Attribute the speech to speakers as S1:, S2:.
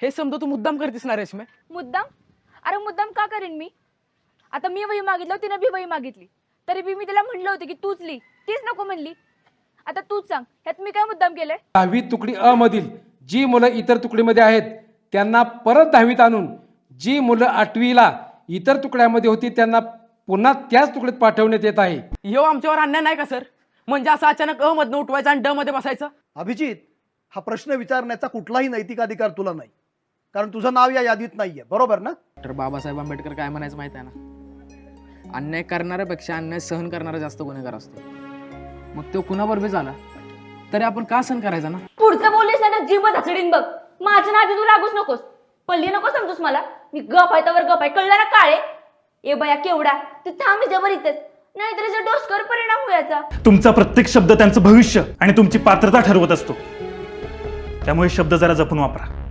S1: हे समजा तू मुद्दाम करतेस ना रेशमे?
S2: मुद्दाम? अरे मुद्दाम का करेन मी? आता मी वही मागितलं, तिने बी वही मागितली, तरी बी मी तिला म्हणलं होतं की तूच लिही, तीच नको म्हणली. आता तूच सांग, ह्यात मी काय मुद्दाम केलंय?
S3: 10वी तुकडी अ मधील जी मुलं इतर तुकडीमध्ये आहेत त्यांना परत 10वीत आणून जी मुलं 8वीला इतर तुकड्यामध्ये होती त्यांना पुन्हा त्याच तुकडीत पाठवण्यात येत आहे.
S1: ह्यो आमच्यावर अन्याय नाही का सर? म्हणजे असं अचानक अ मधनं उठवायचं आणि ड मध्ये बसायचं?
S4: अभिजित, हा प्रश्न विचारण्याचा कुठलाही नैतिक अधिकार तुला नाही, कारण तुझं नाव या यादीत नाहीये, बरोबर ना?
S1: डॉक्टर बाबासाहेब आंबेडकर काय म्हणायचं माहिती आहे ना? अन्याय करणाऱ्यापेक्षा अन्याय सहन करणारा जास्त गुन्हेगार असतो. मग तो कुणावर बी झाला तरी आपण का सहन करायचा ना?
S2: पुढचं बोललीस ना तर जीव हसडीन बघ. माझ्या नादी तू लागूच नकोस. पल्ली नको समजूस मला. मी गप आहे तर गप आहे, कळलं ना काळे? ए बया केवढा तू थांब जबर इथेच, नाहीतर जर डोसकर परिणाम व्हायचा.
S5: तुमचा प्रत्येक शब्द त्यांचं भविष्य आणि तुमची पात्रता ठरवत असतो, त्यामुळे शब्द जरा जपून वापरा.